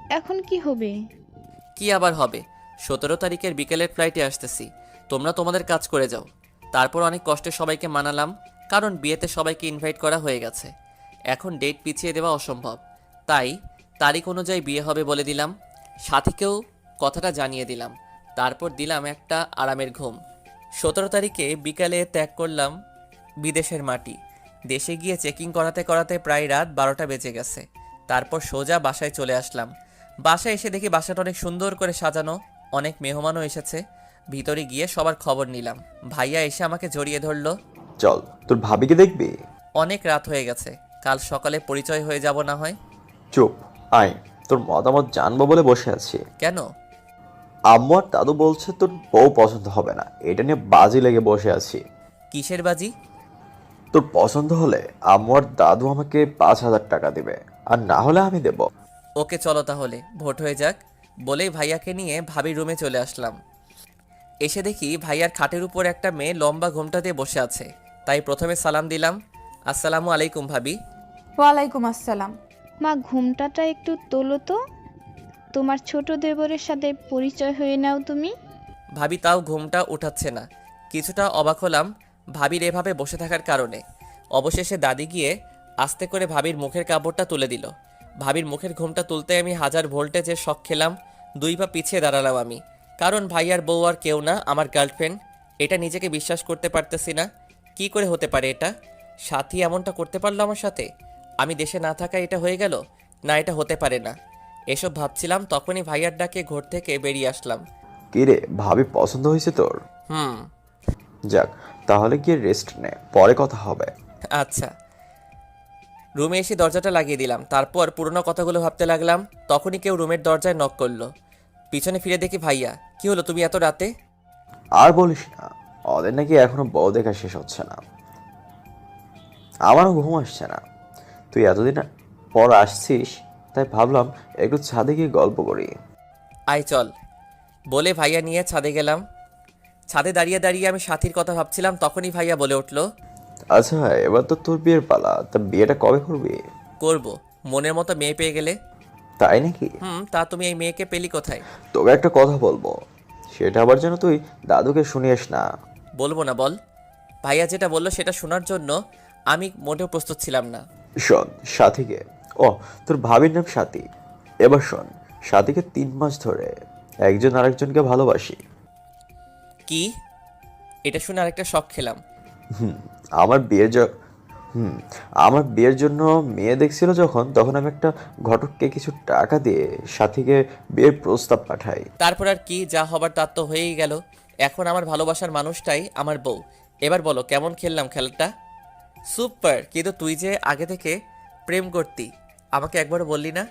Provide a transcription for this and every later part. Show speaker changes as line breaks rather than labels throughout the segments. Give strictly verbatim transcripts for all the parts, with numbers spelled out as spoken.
এখন কি হবে?
কি আবার হবে? সতেরো তারিখের বিকেলের ফ্লাইটে আসতেছি। তোমরা তোমাদের কাজ করে যাও। তারপর অনেক কষ্টে সবাইকে মানালাম, কারণ বিয়েতে সবাইকে ইনভাইট করা হয়ে গেছে। এখন ডেট পিছিয়ে দেওয়া অসম্ভব, তাই তারিখ অনুযায়ী বিয়ে হবে বলে দিলাম। সাথীকেও কথাটা জানিয়ে দিলাম। তারপর দিলাম একটা আরামের ঘুম। সতেরো তারিখে বিকালে ত্যাগ করলাম বিদেশের মাটি। দেশে গিয়ে চেকিং করাতে করাতে প্রায় রাত বারোটা বেজে গেছে। তারপর সোজা বাসায় চলে আসলাম। বাসায় এসে দেখি বাসাটা অনেক সুন্দর করে সাজানো, অনেক মেহমানও এসেছে। ভিতরে গিয়ে সবার খবর নিলাম। ভাইয়া এসে আমাকে জড়িয়ে ধরলো।
চল, তোর ভাবিকে দেখবি?
অনেক রাত হয়ে গেছে, কাল সকালে পরিচয় হয়ে যাব না হয়।
চুপ, আয়। তোর মতামত জানবো বলে বসে আছি।
কেন?
আম্মু আর দাদু বলছে তোর বউ পছন্দ হবে না, এটা নিয়ে বাজি লেগে বসে আছি।
কিসের বাজি?
তোর পছন্দ হলে আম্মু আর দাদু আমাকে পাঁচ হাজার টাকা দিবে, আর না হলে আমি দেব।
ওকে চলো তাহলে, ভোট হয়ে যাক। বলেই ভাইয়াকে নিয়ে ভাবির রুমে চলে আসলাম। এসে দেখি ভাইয়ার খাটের উপর একটা মেয়ে লম্বা ঘোমটা দিয়ে বসে আছে। তাই প্রথমে সালাম দিলাম, আসসালামু আলাইকুম ভাবি।
ওয়ালাইকুম আসসালাম।
মা, ঘুমটাটা একটু তোলো তো। তোমার ছোট দেবরের সাথে পরিচয় হয়ে নাও তুমি।
ভাবি তাও ঘুমটা উঠাচ্ছে না। কিছুটা অবাক হলাম ভাবির এভাবে বসে থাকার কারণে। অবশেষে দাদি গিয়ে আস্তে করে ভাবির মুখের কাপড়টা তুলে দিল। ভাবির মুখের ঘুমটা তুলতে আমি হাজার ভোল্টেজের শক খেলাম। দুই পা পিছিয়ে দাঁড়ালাম আমি, কারণ ভাইয়ার বউ আর কেউ না, আমার গার্লফ্রেন্ড। এটা নিজেকে বিশ্বাস করতে পারতেছি না। কি করে হতে পারে এটা? সাথী এমনটা করতে পারলো আমার সাথে? আমি দেশে না থাকায় এটা হয়ে গেল? না, এটা হতে পারে না। এসব ভাবছিলাম, তখনই ভাইয়ার ডাকে ঘর থেকে বেরিয়ে আসলাম।
কি রে, ভাবি পছন্দ হয়েছে তোর?
হুম।
যাক, তাহলে গিয়ে রেস্ট নে, পরে কথা হবে।
আচ্ছা। রুমে এসে দরজাটা লাগিয়ে দিলাম। তারপর পুরোনো কথাগুলো ভাবতে লাগলাম। তখনই কেউ রুমের দরজায় নক করলো। পিছনে ফিরে দেখি ভাইয়া। কি হলো, তুমি এত রাতে?
আর বলিস না, ওদের নাকি এখনো বউ দেখা শেষ হচ্ছে না। আমারও ঘুম আসছে না। তুই এতদিন পর আসছিস, তাই ভাবলাম একটু ছাদে গিয়ে গল্প করি।
আয় চল। বলে ভাইয়া নিয়ে ছাদে গেলাম। ছাদে দাঁড়িয়ে দাঁড়িয়ে আমি সাথীর কথা ভাবছিলাম, তখনই ভাইয়া বলে উঠলো,
আচ্ছা, এবার তো তোর বিয়ের পালা, তা বিয়েটা কবে করবি?
করব, মনের মতো মেয়ে পেয়ে গেলে।
তাই নাকি?
হুম, তা তুমি এই মেয়েকে পেলি কোথায়?
তোকে একটা কথা বলবো, সেটা আবার যেন তুই দাদুকে শুনিস না।
বলবো না, বল। ভাইয়া যেটা বললো সেটা শোনার জন্য আমি মোটেও প্রস্তুত ছিলাম না।
শোন, সাথীকে, ও তোর ভাবির নাম সাথী। এবার শোন, সাথীকে তিন মাস ধরে একজন আরেকজনকে ভালোবাসি।
কি? এটা শুনে আরেকটা শখ খেলাম।
আমার বিয়ের জ- হুম আমার বিয়ের জন্য মেয়ে দেখছিল যখন, তখন আমি একটা ঘটককে কিছু টাকা দিয়ে সাথীকে বিয়ের প্রস্তাব পাঠাই।
তারপর আর কি, যা হবার তার তো হয়েই গেল। এখন আমার ভালোবাসার মানুষটাই আমার বউ। এবার বলো কেমন খেললাম খেলাটা? সুপার। কিন্তু তুই যে আগে থেকে প্রেম করতি, আমাকে একবারও বললি না।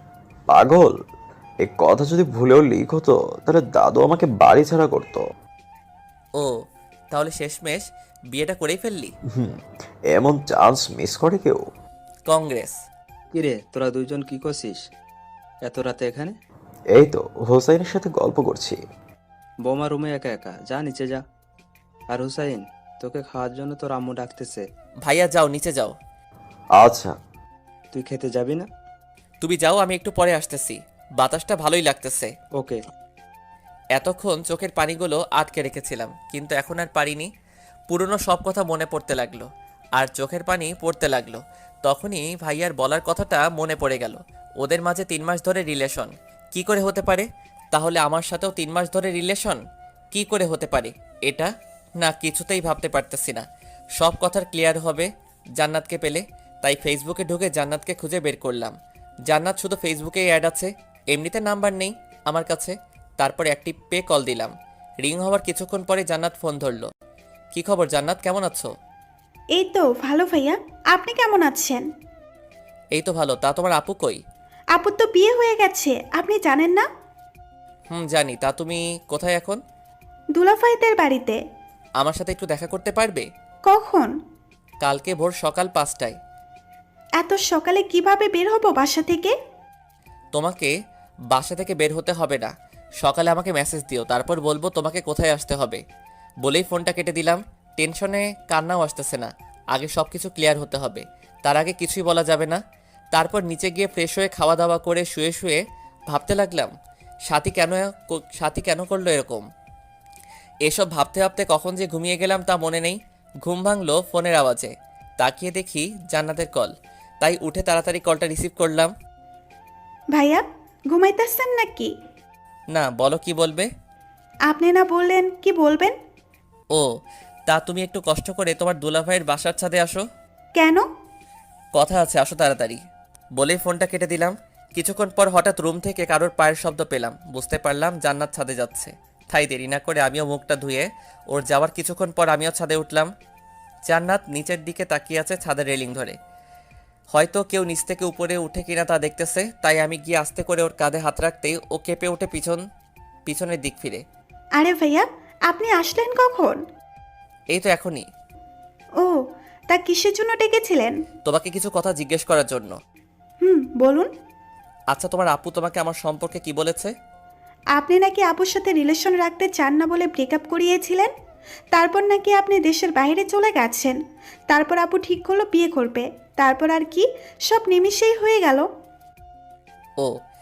পাগল, এই কথা যদি ভুলেও লিক হতো তাহলে দাদু আমাকে বাড়ি ছাড়া করতো।
ও, তাহলে শেষমেশ বিয়েটা করেই ফেললি?
হুম এমন চান্স মিস করে কেউ?
কংগ্রেস।
কিরে, তোরা দুইজন কি করছিস এত রাতে এখানে?
এই তো হোসাইনের সাথে গল্প করছি।
বৌমা রুমে একা একা, যা নিচে যা। আর হুসাইন, তোকে খাওয়ার জন্য তোর আম্মু ডাকতেছে।
ভাইয়া যাও, নিচে যাও।
আচ্ছা।
তুই খেতে যাবি না?
তুমি যাও, আমি একটু পরে আসতেছি। বাতাসটা ভালোই লাগতেছে।
ওকে।
এতক্ষণ চোখের পানিগুলো আটকে রেখেছিলাম, কিন্তু এখন আর পারিনি। পুরনো সব কথা মনে পড়তে লাগলো, আর চোখের পানি পড়তে লাগলো। তখনই ভাইয়ার বলার কথাটা মনে পড়ে গেল। ওদের মাঝে তিন মাস ধরে রিলেশন। কি করে হতে পারে? তাহলে আমার সাথেও তিন মাস ধরে রিলেশন কি করে হতে পারে এটা? না, কিছুতেই ভাবতে পারতেছি না। সব কথার ক্লিয়ার হবে জান্নাতকে পেলে। তাই ফেসবুকে ঢুকে জান্নাতকে খুঁজে বের করলাম। জান্নাত শুধু ফেসবুকেই অ্যাড আছে, এমনিতে নাম্বার নেই আমার কাছে। তারপর অ্যাক্টিভ পে কল দিলাম। রিং হওয়ার কিছুক্ষণ পরে জান্নাত ফোন ধরলো। কি খবর জান্নাত, কেমন আছো?
এই তো ভালো ভাইয়া, আপনি কেমন আছেন?
এই তো ভালো। তা তোমার আপু কই?
আপুর তো বিয়ে হয়ে গেছে, আপনি জানেন না?
হুম, জানি। তা তুমি কোথায় এখন?
দুলাভাইদের বাড়িতে।
আমার সাথে একটু দেখা করতে পারবে?
কখন?
কালকে ভোর সকাল পাঁচটায়।
এত সকালে কিভাবে বের হব বাসা থেকে?
তোমাকে বাসা থেকে বের হতে হবে না, সকালে আমাকে মেসেজ দিও, তারপর বলবো তোমাকে কোথায় আসতে হবে। বলেই ফোনটা কেটে দিলাম। টেনশনে কান্নাও আসতেছে না। আগে সব কিছু ক্লিয়ার হতে হবে, তার আগে কিছুই বলা যাবে না। তারপর নিচে গিয়ে ফ্রেশ হয়ে খাওয়া দাওয়া করে শুয়ে শুয়ে ভাবতে লাগলাম সাথী কেন সাথী কেন করলো এরকম। এসব ভাবতে ভাবতে কখন যে ঘুমিয়ে গেলাম তা মনে নেই। ঘুম ভাঙলো ফোনের আওয়াজে। তাকিয়ে দেখি জান্নাতের কল, তাই উঠে তাড়াতাড়ি কলটা রিসিভ করলাম।
ভাইয়া ঘুমাইতেছেন নাকি?
না, বলো কি বলবে?
আপনি না বললেন কি বলবেন?
ও, তা তুমি একটু কষ্ট করে তোমার দুলাভাইয়ের বাসার ছাদে আসো।
কেন?
কথা আছে, আসো তাড়াতাড়ি। বলেই ফোনটা কেটে দিলাম। কিছুক্ষণ পর হঠাৎ রুম থেকে কারোর পায়ের শব্দ পেলাম। বুঝতে পারলাম জান্নাত ছাদে যাচ্ছে। তাই দেরি না করে আমিও মুখটা ধুয়ে ওর যাওয়ার কিছুক্ষণ পর আমিও ছাদে উঠলাম। জান্নাত নিচের দিকে তাকিয়ে আছে ছাদের রেলিং ধরে। হয়তো কেউ নিচ থেকে উপরে উঠে কিনা তা দেখতেছে, তাই আমি গিয়ে আস্তে করে ওর কাঁধে হাত রাখতেই ও কেঁপে ওঠে পিছন পিছনের দিক ফিরে।
আরে ভাইয়া আপনি আসলেন কখন?
এই তো এখনই।
ও, তা কিসের জন্য ডেকেছিলেন?
তোমাকে কিছু কথা জিজ্ঞেস করার জন্য।
হুম, বলুন।
আচ্ছা, তোমার আপু তোমাকে আমার সম্পর্কে কি বলেছে?
আপনি নাকি আপুর সাথে রিলেশন রাখতে চান না বলে ব্রেকআপ করিয়েছিলেন। তারপর নাকি আপনি দেশের বাইরে চলে গেছেন। তারপর আপু ঠিক করলো বিয়ে করবে। তারপর আর কি, সব নিমিষেই হয়ে গেল।
ও,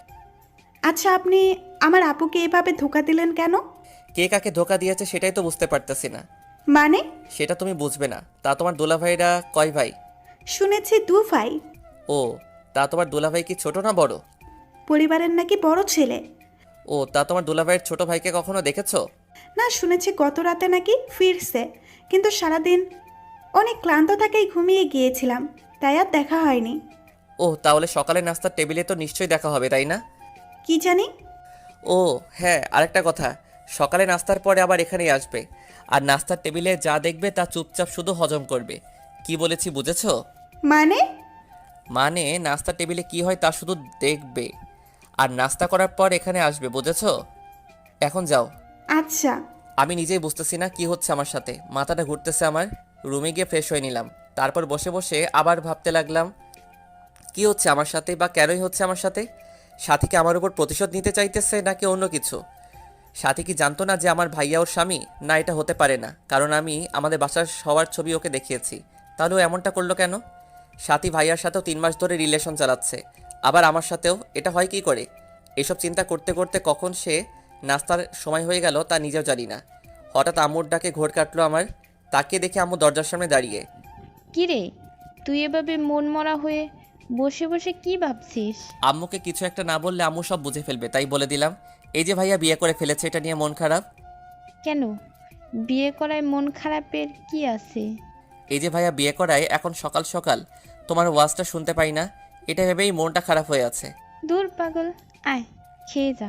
আচ্ছা, আপনি আমার আপুকে এভাবে ধোকা দিলেন কেন?
কে কাকে ধোকা দিয়েছে সেটাই তো বুঝতে পারতেছি না।
মানে?
সেটা তুমি বুঝবে না। তা তোমার দুলাভাইরা কয় ভাই?
শুনেছি দু ভাই।
ও, তা তোমার দুলাভাই কি ছোট না বড়?
পরিবারের নাকি বড় ছেলে।
ও, তা তোমার দুলাভাইয়ের ছোট ভাইকে কখনো দেখেছো?
না, শুনেছি গত রাতে নাকি ফিরছে, কিন্তু সারাদিন অনেক ক্লান্ত থাকাই ঘুমিয়ে গিয়েছিলাম, তাই আর দেখা হয়নি।
ও, তাহলে সকালে নাস্তার টেবিলে তো নিশ্চয়ই দেখা হবে, তাই না?
কি জানি।
ও হ্যাঁ, আরেকটা কথা, সকালে নাস্তার পরে আবার এখানেই আসবে। আর নাস্তার টেবিলে যা দেখবে তা চুপচাপ শুধু হজম করবে। কি বলেছি বুঝেছো?
মানে?
মানে নাস্তার টেবিলে কি হয় তা শুধু দেখবে আর নাস্তা করার পর এখানে আসবে, বুঝেছো? এখন যাও।
আচ্ছা।
আমি নিজেই বুঝতেছি না কি হচ্ছে আমার সাথে, মাথাটা ঘুরতেছে আমার। রুমে গিয়ে ফ্রেশ হয়ে নিলাম। তারপর বসে বসে আবার ভাবতে লাগলাম কি হচ্ছে আমার সাথে, বা কেনই হচ্ছে আমার সাথে। সাথী কি আমার উপর প্রতিশোধ নিতে চাইতেছে নাকি অন্য কিছু? সাথী কি জানতো না যে আমার ভাইয়া ওর স্বামী? না, এটা হতে পারে না, কারণ আমি আমাদের বাসার সবার ছবি ওকে দেখিয়েছি। তাহলে ও এমনটা করলো কেন? সাথী ভাইয়ার সাথেও তিন মাস ধরে রিলেশন চালাচ্ছে, আবার আমার সাথেও, এটা হয় কি করে? এসব চিন্তা করতে করতে কখন সে নাস্তার সময় হয়ে গেল তা নিজেও জানি না। হঠাৎ আম্মুর ডাকে ঘোর কাটলো আমার। তাকিয়ে দেখে আম্মু দরজার সামনে দাঁড়িয়ে।
কিরে, তুই এভাবে মন মরা হয়ে বসে বসে কি ভাবছিস?
আম্মুকে কিছু একটা না বললে আম্মু সব বুঝে ফেলবে, তাই বলে দিলাম এই যে ভাইয়া বিয়ে করে ফেলেছে, এটা নিয়ে মন খারাপ।
কেন, বিয়ে করায় মন খারাপের কি আছে?
এই যে ভাইয়া বিয়ে করায় এখন সকাল সকাল তোমার ওয়াজটা শুনতে পাই না, এটা ভেবেই মনটা খারাপ হয়ে আছে।
দূর পাগল, আয় খেয়ে যা,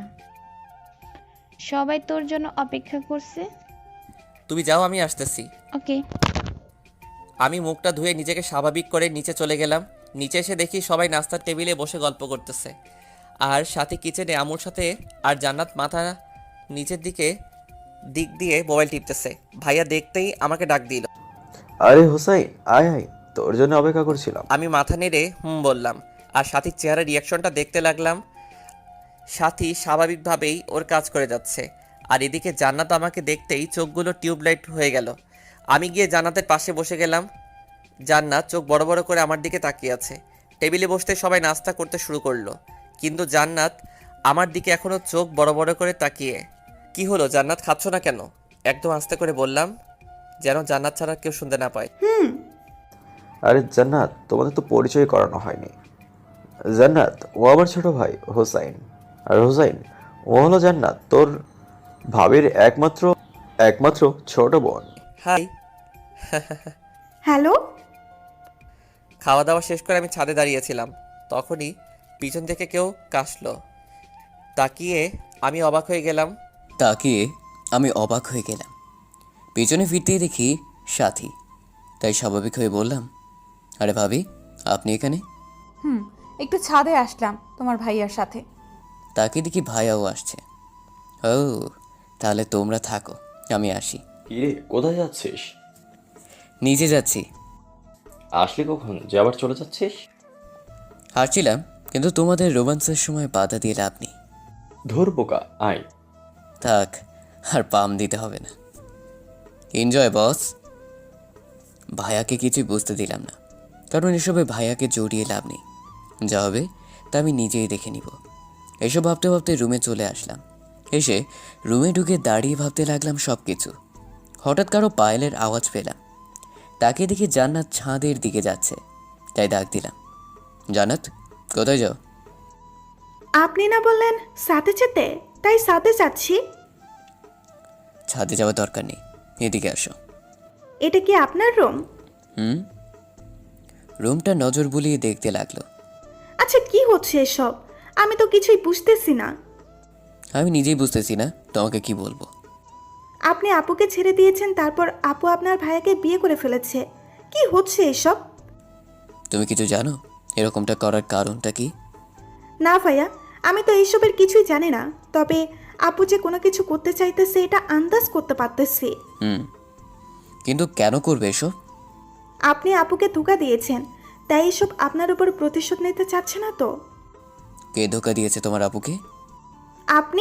সবাই তোর জন্য অপেক্ষা করছে।
তুমি যাও, আমি আসতেছি।
ওকে।
আমি মুখটা ধুয়ে নিজেকে স্বাভাবিক করে নিচে চলে গেলাম। নিচে এসে দেখি সবাই নাস্তার টেবিলে বসে গল্প করতেছে, আর সাথে কিচেনে আমুর সাথে, আর জান্নাত মাথা নিচের দিকে দিক দিয়ে মোবাইল টিপতেছে। ভাইয়া দেখতেই আমাকে ডাক দিল।
আরে হোসাইন, আয় আয়, তোর জন্য অপেক্ষা করছিলাম।
আমি মাথা নেড়ে হুম বললাম, আর সাথীর চেহারার রিয়াকশনটা দেখতে লাগলাম। সাথী স্বাভাবিকভাবেই ওর কাজ করে যাচ্ছে, আর এদিকে জান্নাত আমাকে দেখতেই চোখগুলো টিউবলাইট হয়ে গেল। আমি গিয়ে জান্নাতের পাশে বসে গেলাম। জান্নাত চোখ বড় বড় করে আমার দিকে তাকিয়ে আছে। টেবিলে বসতে সবাই নাস্তা করতে শুরু করলো, কিন্তু জান্নাত আমার দিকে এখনও চোখ বড় বড় করে তাকিয়ে। কি হলো জান্নাত, খাচ্ছ না কেন? একদম আস্তে করে বললাম, যেন জান্নাত ছাড়া কেউ শুনতে না পায়।
হুম।
আরে জান্নাত, তোমাদের তো পরিচয় করানো হয়নি। জান্নাত ও আমার ছোট ভাই হোসাইন, আর হোসাইন ও হলো জান্নাত তোর ভাবির একমাত্র একমাত্র ছোট বোন।
হাই।
হ্যালো।
খাওয়া দাওয়া শেষ করে আমি ছাদে দাঁড়িয়েছিলাম, তখনই পিছন থেকে কেউ কাশলো। তাকিয়ে আমি অবাক হয়ে গেলাম।
তাকিয়ে আমি অবাক হয়ে গেলাম। পেছনে ফিরতেই দেখি সাথী। তাই স্বাভাবিক হয়ে বললাম, আরে ভাবি, আপনি এখানে?
হুম, একটু ছাদে আসলাম তোমার ভাইয়ার সাথে।
তাকে দেখি ভাইয়াও আসছে। ও, তাহলে তোমরা থাকো, আমি আসি।
কিরে, কোথায় যাচ্ছিস?
নিজে যাচ্ছি।
আসলি কখন যে আবার চলে যাচ্ছিস?
হারছিলাম, কিন্তু তোমাদের রোমান্সের সময় বাধা দিয়ে লাভ নেই।
ধর বোকা, আয়।
থাক, আর পাম দিতে হবে না। Enjoy boss. ভাইয়াকে কিছুই বুঝতে দিলাম না, কারণ এসবে ভাইয়াকে জড়িয়ে লাভ নেই। যা হবে তা আমি নিজেই দেখে নিব। এসব ভাবতে ভাবতে রুমে চলে আসলাম। এসে রুমে ঢুকে দাঁড়িয়ে ভাবতে লাগলাম সব কিছু। হঠাৎ কারো পায়েলের আওয়াজ পেলাম। তাকে দেখে জান্নাত ছাদের দিকে যাচ্ছে, তাই ডাক দিলাম, জান্নাত কোথায় যাও?
আপনি না বললেন সাথে যেতে, তাই সাথে যাচ্ছি।
ছাদে যাওয়ার দরকার নেই, এদিকে আসো।
এটা কি আপনার রুম?
হুম। রুমটা নজর বুলিয়ে দেখতে লাগলো।
আচ্ছা কি হচ্ছে এসব? আমি তো কিছুই বুঝতেছি না।
আমি নিজেই বুঝতেছি না তোমাকে কি বলবো।
আপনি আপুকে ছেড়ে দিয়েছেন, তারপর আপু আপনার ভাইয়াকে বিয়ে করে ফেলেছে। কি হচ্ছে এসব?
তুমি কিছু জানো এরকমটা করার কারণটা কি?
না ভাইয়া, আমি তো এইসবের কিছুই জানি না। তবে আপু যে কোনো কিছু করতে চাইতেছে এটা আন্দাজ করতে পারতেছি।
হুম, কিন্তু কেন করবে এসব?
আপনি আপুকে ধোঁকা দিয়েছেন, তাই এসব আপনার উপর প্রতিশোধ নিতে চাচ্ছে না তো?
কে ধোকা দিয়েছে তোমার আপুকে?
আপনি?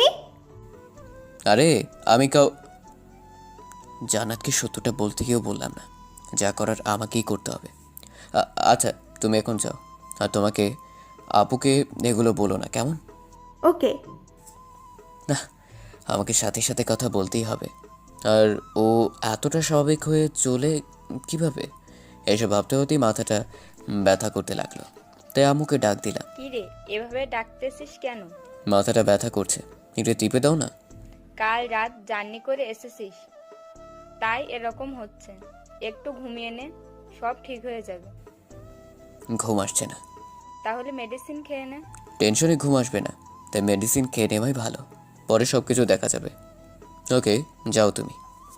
আরে আমি কাউ জান্নাতকে সত্যটা বলতে গিয়েও বললাম না, যা করার আমাকেই করতে হবে। আ- আচ্ছা তুমি এখন যাও, আর তোমাকে আপুকে এগুলো বলো না, কেমন?
ওকে।
না, আমাকে সাথে সাথে কথা বলতেই হবে। আর ও এতটা স্বাভাবিক হয়ে চলে কিভাবে, এসব ভাবতে হতেই মাথাটা ব্যথা করতে লাগলো। তাই আম্মুকে ডাক দিলাম।
কি রে, এভাবে ডাকতেছিস কেন?
মাথাটা ব্যথা করছে, একটু টিপে দাও না।
কাল রাত জার্নি করে এসেছিস, তাই এরকম হচ্ছে। একটু ঘুমিয়ে নে, সব ঠিক হয়ে যাবে।
ঘুম আসছে না।
তাহলে মেডিসিন খেয়ে নে।
টেনশনে ঘুম আসবে না, তাই মেডিসিন খেয়ে নেওয়াই ভালো, পরে সব কিছু দেখা যাবে। ওকে যাও তুমি।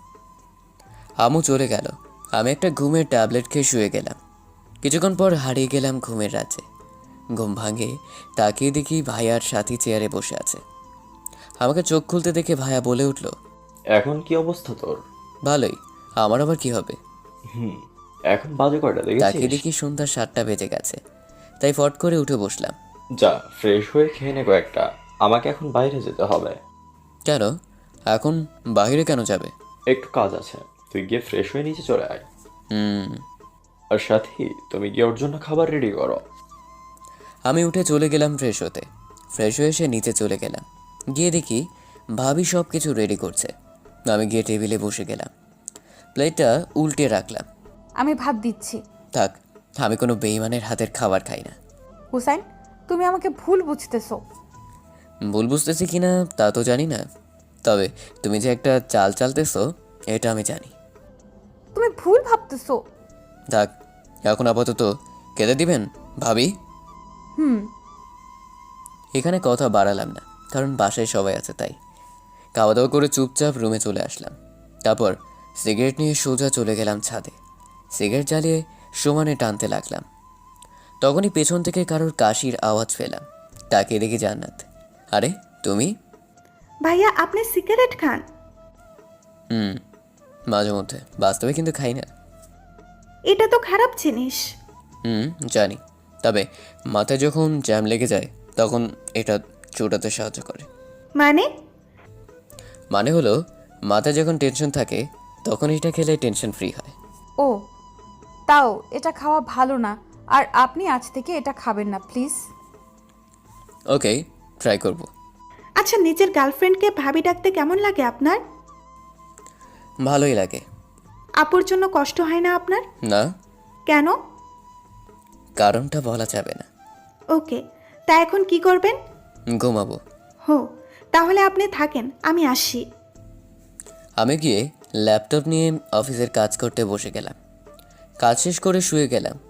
আম্মু চলে গেল, আমি একটা ঘুমের ট্যাবলেট খেয়ে শুয়ে গেলাম। কিছুক্ষণ পর হারিয়ে গেলাম ঘুমের রাজ্যে। ঘুম ভাঙে তাকিয়ে দেখি ভাইয়ার সাথী চেয়ারে বসে আছে। আমাকে চোখ খুলতে দেখে ভাইয়া বলে উঠল,
এখন কি অবস্থা তোর?
ভালোই, আমার আবার কি হবে?
হুম, এখন বাজে কয়টা
তাকিয়ে
দেখেছিস?
দেখি সন্ধ্যা সাতটা বেজে গেছে, তাই ফট করে উঠে বসলাম।
যা ফ্রেশ হয়ে খেয়ে নে কয়েকটা, আমাকে এখন বাইরে যেতে হবে।
কেন এখন বাইরে কেন যাবে?
একটু কাজ আছে, তুই গিয়ে ফ্রেশ হয়ে নিচে চলে আয়।
হুম।
আর সাথী তুমি গিয়ে ওর জন্য খাবার রেডি করো।
আমি উঠে চলে গেলাম ফ্রেশ হতে। ফ্রেশ হয়ে এসে নিচে চলে গেলাম, গিয়ে দেখি ভাবি সব কিছু রেডি করছে। আমি গিয়ে টেবিলে বসে গেলাম, প্লেটটা উল্টে রাখলাম।
আমি ভাত দিচ্ছি।
থাক, আমি কোনো বেইমানের হাতের খাবার খাই না।
হুসাইন, তুমি আমাকে ভুল বুঝতেছো।
ভুল বুঝতেছি কিনা তা তো জানি না, তবে তুমি যে একটা চাল চালতেছো এটা আমি জানি।
তুমি ভুল ভাবতেছো।
থাক, এখন আপাতত খেতে দিবেন ভাবি?
হুম।
এখানে কথা বাড়ালাম না, কারণ বাসায় সবাই আছে, তাই খাওয়া দাওয়া করে চুপচাপ রুমে চলে আসলাম। তারপর সিগারেট নিয়ে সোজা চলে গেলাম ছাদে। সিগারেট জ্বালিয়ে সমানে টানতে লাগলাম। তখনই পেছন থেকে কারোর কাশির আওয়াজ পেলাম। তাকিয়ে দেখি জান্নাত। আরে তুমি?
ভাইয়া আপনি সিগারেট খান?
হুম, মাঝে মধ্যে, বাস্তবে কিন্তু খাই না।
এটা তো খারাপ জিনিস।
হুম জানি, তবে মাথায় যখন জ্যাম লেগে যায় তখন এটা চোটাতে সাহায্য করে।
মানে?
মানে হলো মাথায় যখন টেনশন থাকে তখন এটা খেলে টেনশন ফ্রি হয়।
ও, তাও এটা খাওয়া ভালো না। আর আপনি আজ থেকে এটা খাবেন না প্লিজ।
ওকে, ট্রাই করব।
আচ্ছা নিজের গার্লফ্রেন্ডকে ভাবি ডাকতে কেমন লাগে আপনার?
ভালোই লাগে।
আপুর জন্য কষ্ট হয় না আপনার?
না,
কেন?
কারণটা বলা যাবে না।
ওকে, তা এখন কি করবেন?
ঘুমাবো।
হো, তাহলে আপনি থাকেন, আমি আসি।
আমি গিয়ে ল্যাপটপ নিয়ে অফিসের কাজ করতে বসে গেলাম। কাজ শেষ করে শুয়ে গেলাম।